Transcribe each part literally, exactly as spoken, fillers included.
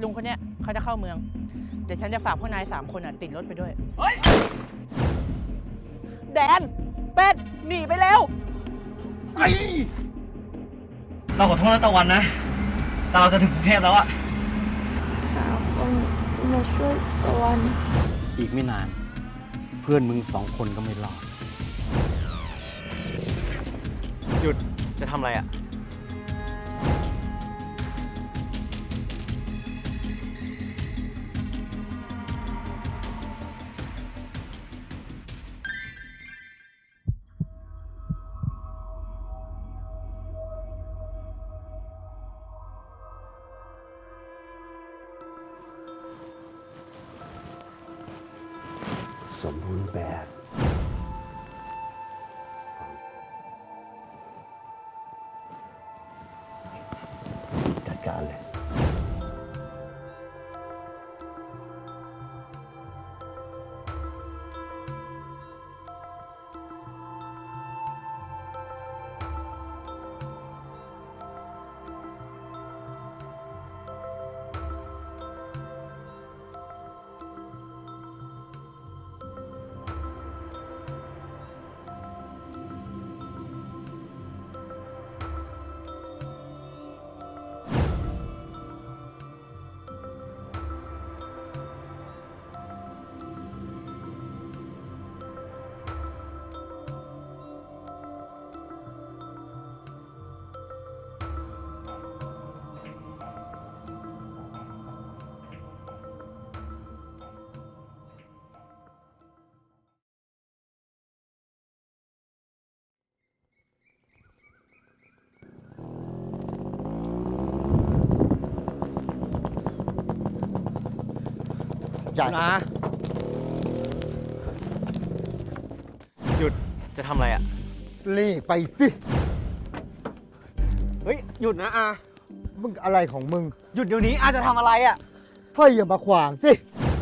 ลุงคนเนี้ยเขาจะเข้าเมืองเดี๋ยวฉันจะฝากพวกนายสามคนอ่ะติดรถไปด้วยเฮ้ยแดน เป็ด หนีไปแล้วไอ้เราขอโทษนะตะวันนะแต่เราจะถึงกรุงเทพแล้วอะหาคนมาช่วยตะวันอีกไม่นาน เพื่อนมึงสองคนก็ไม่รอดหยุดจะทำอะไรอะสมบูรณ์แบบ จัดการเลยจ่ายนะหยุดจะทำอะไรอะรีบไปสิเฮ้ยหยุดนะอามึงอะไรของมึงหยุดเดี๋ยวนี้อาจะทำอะไรอะเฮ้ยอย่ามาขวางสิ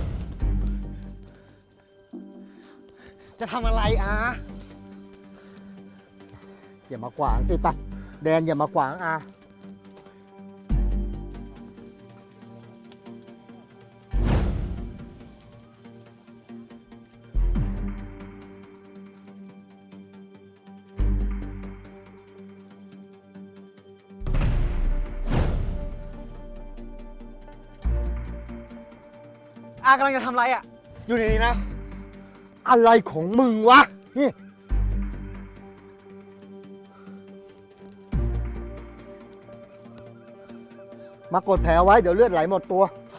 จะทำอะไรอาอย่ามาขวางสิปะแดนอย่ามาขวางอาอากำลังจะทำอะไรอะอยู่ในนี้นะอะไรของมึงวะ นี่ มากดแผลไว้เดี๋ยวเลือดไหลหมดตัว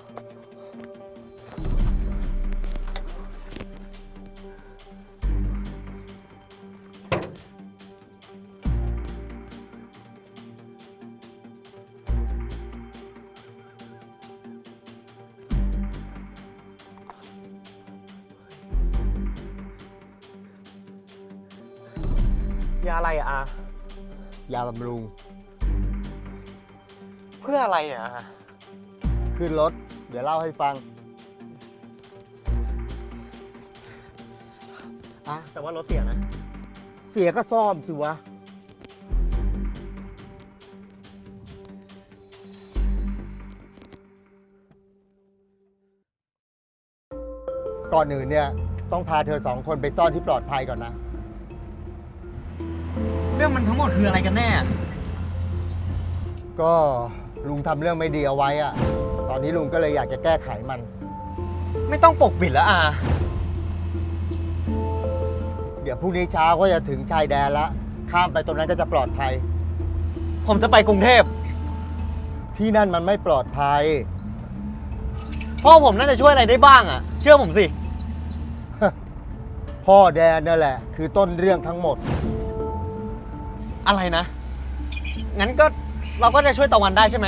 ยาอะไรอะอายาบำรุงเพื่ออะไรเนี่ยอาขึ้นรถ เดี๋ยวเล่าให้ฟังอะแต่ว่ารถเสียนะเสียก็ซ่อมสิวะ ก่อนอื่นเนี่ย ต้องพาเธอสองคนไปซ่อนที่ปลอดภัยก่อนนะเรื่องมันทั้งหมดคืออะไรกันแน่ก็ลุงทำเรื่องไม่ดีเอาไว้อะตอนนี้ลุงก็เลยอยากจะแก้ไขมันไม่ต้องปกปิดแล้วอาเดี๋ยวพรุ่งนี้เช้าก็จะถึงชายแดนละ ข้ามไปตรงนั้นก็จะปลอดภัยผมจะไปกรุงเทพที่นั่นมันไม่ปลอดภัยพ่อผมน่าจะช่วยอะไรได้บ้างอะเชื่อผมสิพ่อแดนนั่นแหละ คือต้นเรื่องทั้งหมดอะไรนะ งั้นก็เราก็จะช่วยตะวันได้ใช่ไหม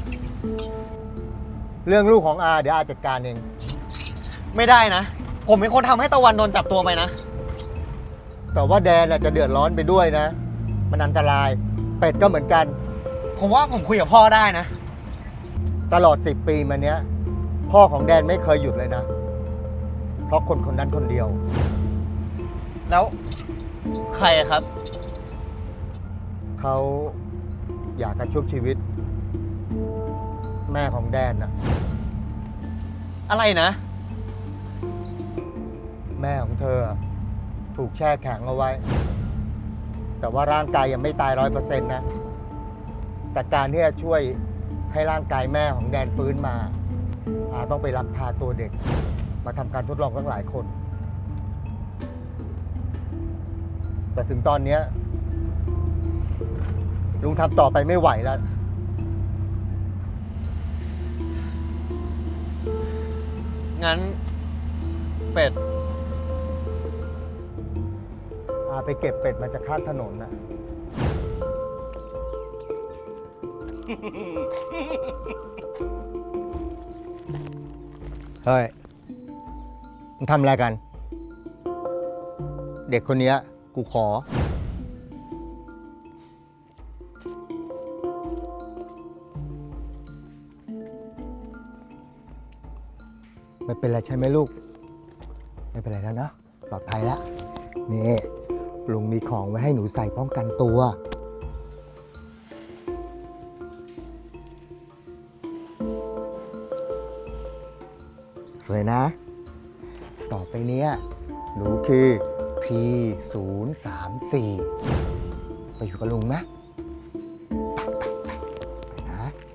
เรื่องลูกของอาเดี๋ยวอาจัดการเองไม่ได้นะ ผมเป็นคนทำให้ตะวันโดนจับตัวไปนะแต่ว่าแดนน่ะจะเดือดร้อนไปด้วยนะ มันอันตราย เป็ดก็เหมือนกันผมว่าผมคุยกับพ่อได้นะตลอดสิบปีมาเนี้ย พ่อของแดนไม่เคยหยุดเลยนะ เพราะคนคนนั้นคนเดียวแล้วใครอะครับเขาอยากจะชุบชีวิต แม่ของแดนน่ะอะไรนะแม่ของเธอถูกแช่แข็งเอาไว้ แต่ว่าร่างกายยังไม่ตายร้อยเปอร์เซ็นต์นะ แต่การที่จะช่วยให้ร่างกายแม่ของแดนฟื้นมาอาต้องไปลักพาตัวเด็ก มาทำการทดลองตั้งหลายคน แต่ถึงตอนนี้ลุงทำต่อไปไม่ไหวแล้วงั้น เป็ดอาไปเก็บเป็ดมาจากข้างถนนนะ เฮ้ย มึงทำอะไรกัน เด็กคนเนี้ยกูขอ ไม่เป็นไรใช่ไหมลูก ไม่เป็นไรแล้วเนอะปลอดภัยแล้ว นี่ลุงมีของไว้ให้หนูใส่ป้องกันตัว สวยนะ ต่อไปเนี้ยหนูคือ พี ศูนย์ สาม สี่ ไปอยู่กับลุงนะไปไปไปไปนะ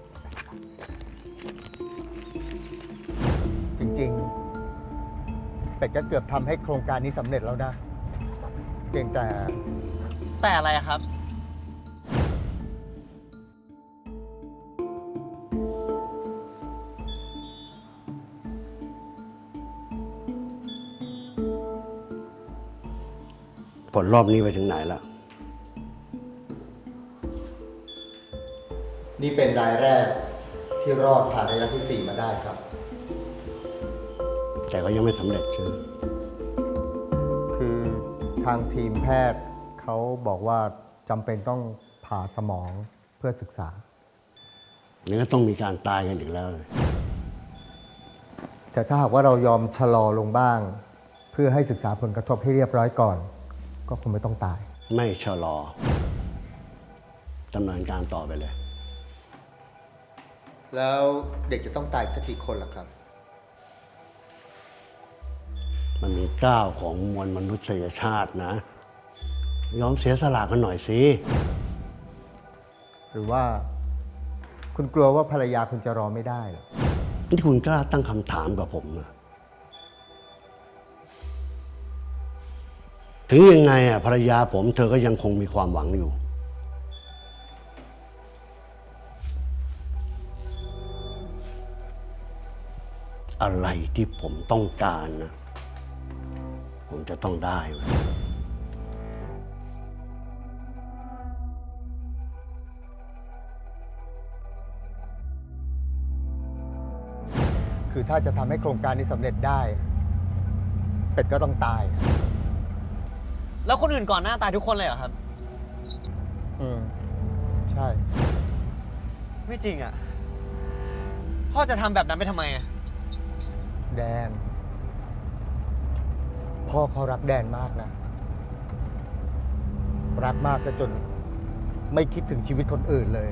จริงๆ เป็ดก็เกือบทำให้โครงการนี้สำเร็จแล้วนะเพียงแต่แต่อะไรอะครับผลรอบนี้ไปถึงไหนแล้วนี่เป็นรายแรกที่รอดผ่านระยะที่ สี่ มาได้ครับแต่ก็ยังไม่สำเร็จใช่ไหมคือทางทีมแพทย์เขาบอกว่าจำเป็นต้องผ่าสมองเพื่อศึกษานี่ก็ต้องมีการตายกันอีกแล้วแต่ถ้าหากว่าเรายอมชะลอลงบ้าง เพื่อให้ศึกษาผลกระทบให้เรียบร้อยก่อน ก็คงไม่ต้องตายไม่ชะลอดำเนินการต่อไปเลยแล้วเด็กจะต้องตายสักกี่คนล่ะครับมันมีก้าวของมวลมนุษยชาตินะ ยอมเสียสละกันหน่อยสิหรือว่าคุณกลัวว่าภรรยาคุณจะรอไม่ได้เหรอที่คุณกล้าตั้งคำถามกับผมนะถึงยังไงอ่ะภรรยาผมเธอก็ยังคงมีความหวังอยู่ อะไรที่ผมต้องการนะ ผมจะต้องได้เว้ยคือถ้าจะทำให้โครงการนี้สำเร็จได้ เป็ดก็ต้องตายแล้วคนอื่นก่อนหน้าตายทุกคนเลยเหรอครับอืม ใช่ไม่จริงอ่ะ พ่อจะทำแบบนั้นไปทำไมอ่ะแดน พ่อเขารักแดนมากนะ รักมากซะจนไม่คิดถึงชีวิตคนอื่นเลย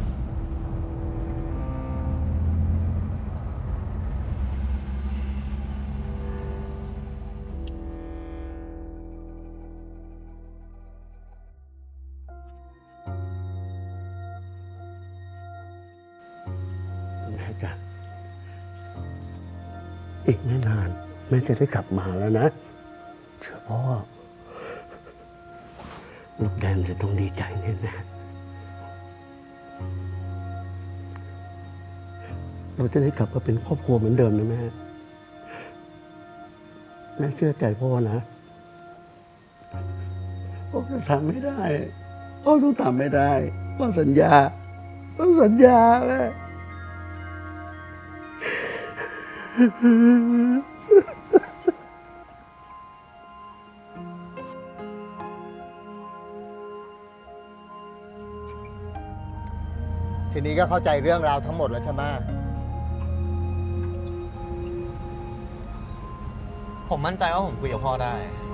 แม่จ๊ะอีกไม่นานแม่จะได้กลับมาแล้วนะ เชื่อพ่อลูกแดนจะต้องดีใจแน่ๆเราจะได้กลับมาเป็นครอบครัวเหมือนเดิมนะแม่แม่เชื่อใจพ่อนะพ่อจะทำไม่ได้พ่อต้องทำไม่ได้พ่อสัญญาพ่อสัญญาแม่ทีนี้ก็เข้าใจเรื่องราวทั้งหมดแล้วใช่ไหมผมมั่นใจว่าผมคุยกับพ่อได้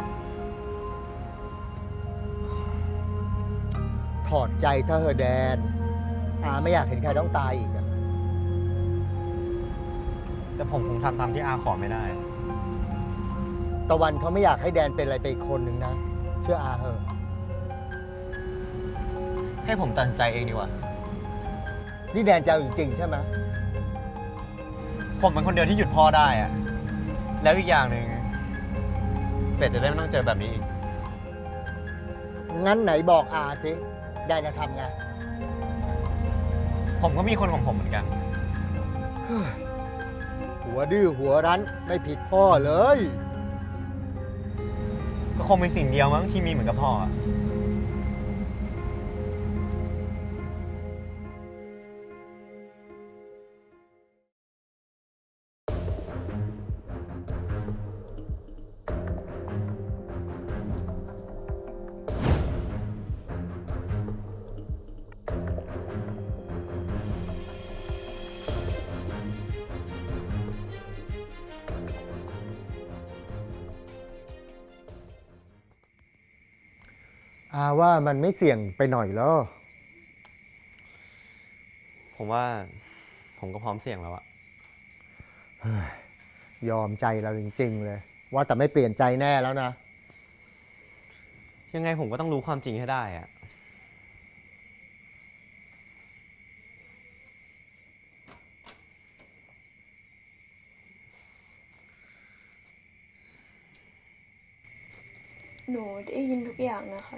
ถอดใจถ้าเธอแดนอาไม่อยากเห็นใครต้องตายอีกอะแต่ผมคงทำตามที่อาขอไม่ได้ตะวันเขาไม่อยากให้แดนเป็นอะไรไปอีกคนหนึ่งนะ เชื่ออาเหอะให้ผมตัดสินใจเองดีกว่านี่แดนจะเอาจริงๆใช่ไหมผมเป็นคนเดียวที่หยุดพ่อได้อะแล้วอีกอย่างหนึ่งเป็ดจะได้ไม่ต้องเจอแบบนี้อีกงั้นไหนบอกอาสิแดนจะทำไงผมก็มีคนของผมเหมือนกันหัวดื้อหัวรั้นไม่ผิดพ่อเลยก็คงเป็นสิ่งเดียวมั้งที่มีเหมือนกับพ่ออะอาว่ามันไม่เสี่ยงไปหน่อยเหรอผมว่าผมก็พร้อมเสี่ยงแล้วอะยอมใจเราจริงๆเลย ว่าแต่ไม่เปลี่ยนใจแน่แล้วนะยังไงผมก็ต้องรู้ความจริงให้ได้อะหนูได้ยินทุกอย่างนะคะ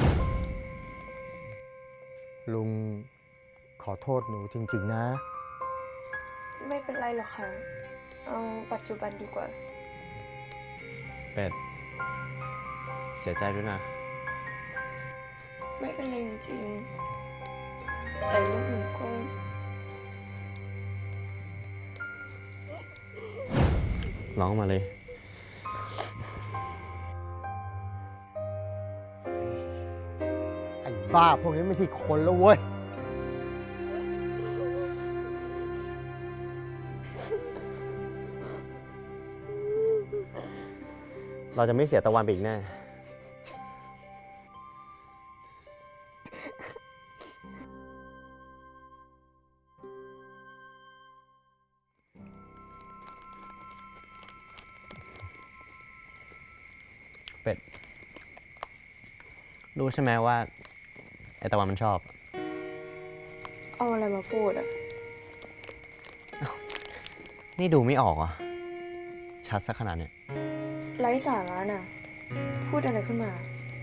ลุงขอโทษหนูจริงๆนะไม่เป็นไรหรอกค่ะ เอาปัจจุบันดีกว่าเป็ดเสียใจด้วยนะไม่เป็นไรจริงๆแต่ลูกหนูก็ร้องมาเลยไอ้บ้าพวกนี้ไม่ใช่คนแล้วเว้ยเราจะไม่เสียตะวันไปอีกแน่ เป็ด รู้ใช่ไหมว่า ไอตะวันมันชอบเอาอะไรมาพูดอะนี่ดูไม่ออกอ่ะ ชัดสักขนาดเนี้ยไร้สาระน่ะ พูดอะไรขึ้นมา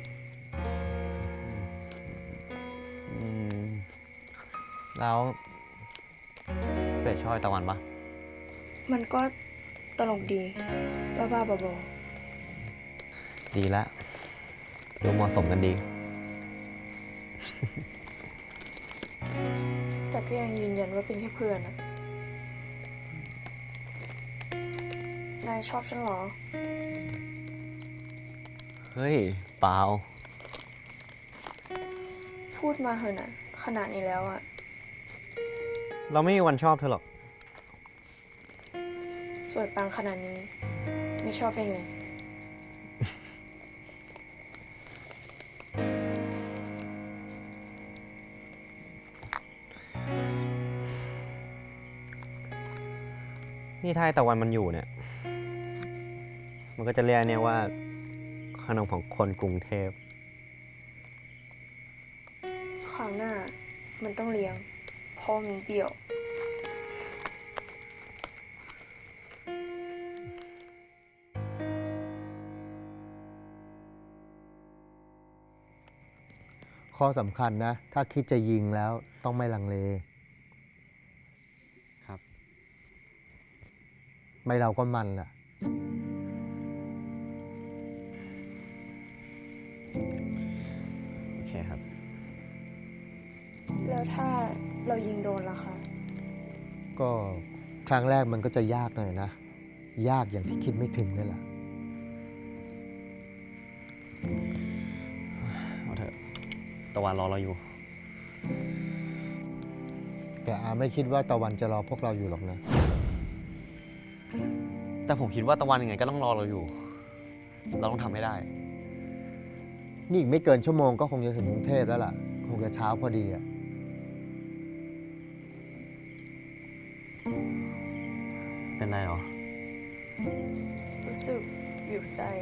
อืม แล้ว เป็ดชอบไอตะวันปะมันก็ตลกดี บ้าๆบอดีละดูเหมาะสมกันดีๆแต่ก็ยังยืนยันว่าเป็นแค่เพื่อนอะนายชอบฉันเหรอเฮ้ย เปล่าพูดมาเถอะนะขนาดนี้แล้วอะเราไม่มีวันชอบเธอหรอกสวยปังขนาดนี้ ไม่ชอบได้ไงนี่ถ้าไอ้ตะวันมันอยู่เนี่ย มันก็จะเรียกเนี่ยว่าขนมของคนกรุงเทพคราวหน้ามันต้องเลี้ยงเพราะมันเปรี้ยวข้อสำคัญนะ ถ้าคิดจะยิงแล้วต้องไม่ลังเลครับไม่เราก็มันอ่ะโอเคครับแล้วถ้าเรายิงโดนล่ะคะก็ครั้งแรกมันก็จะยากหน่อยนะ ยากอย่างที่คิดไม่ถึงเลยล่ะเอาเถอะ ตะวันรอเราอยู่แต่อาไม่คิดว่าตะวันจะรอพวกเราอยู่หรอกนะแต่ผมคิดว่าตะวันยังไงก็ต้องรอเราอยู่ เราต้องทำให้ได้นี่อีกไม่เกินชั่วโมงก็คงจะถึงกรุงเทพแล้วล่ะ คงจะเช้าพอดีอ่ะเป็นไรหรอรู้สึกอยู่ใจอะ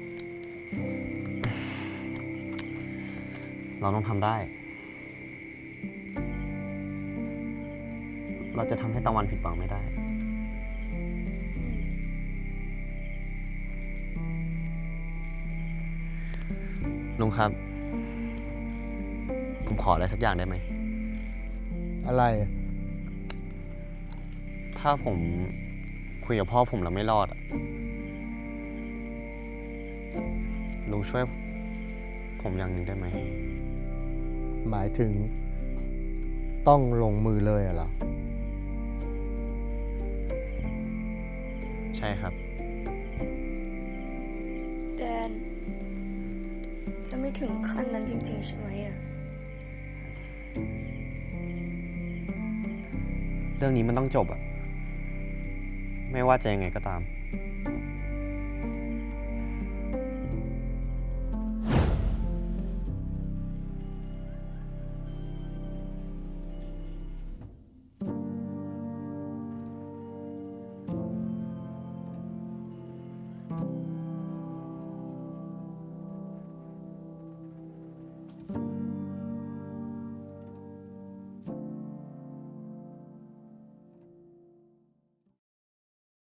เราต้องทำได้ เราจะทำให้ตะวันผิดหวังไม่ได้ ลุงครับ ผมขออะไรสักอย่างได้ไหมอะไรถ้าผมคุยกับพ่อผมแล้วไม่รอดอะลุงช่วยผมอย่างหนึ่งได้ไหมหมายถึงต้องลงมือเลยเหรอใช่ครับแดน จะไม่ถึงขั้นนั้นจริง ๆ ใช่ไหมอะเรื่องนี้มันต้องจบอะไม่ว่าจะยังไงก็ตาม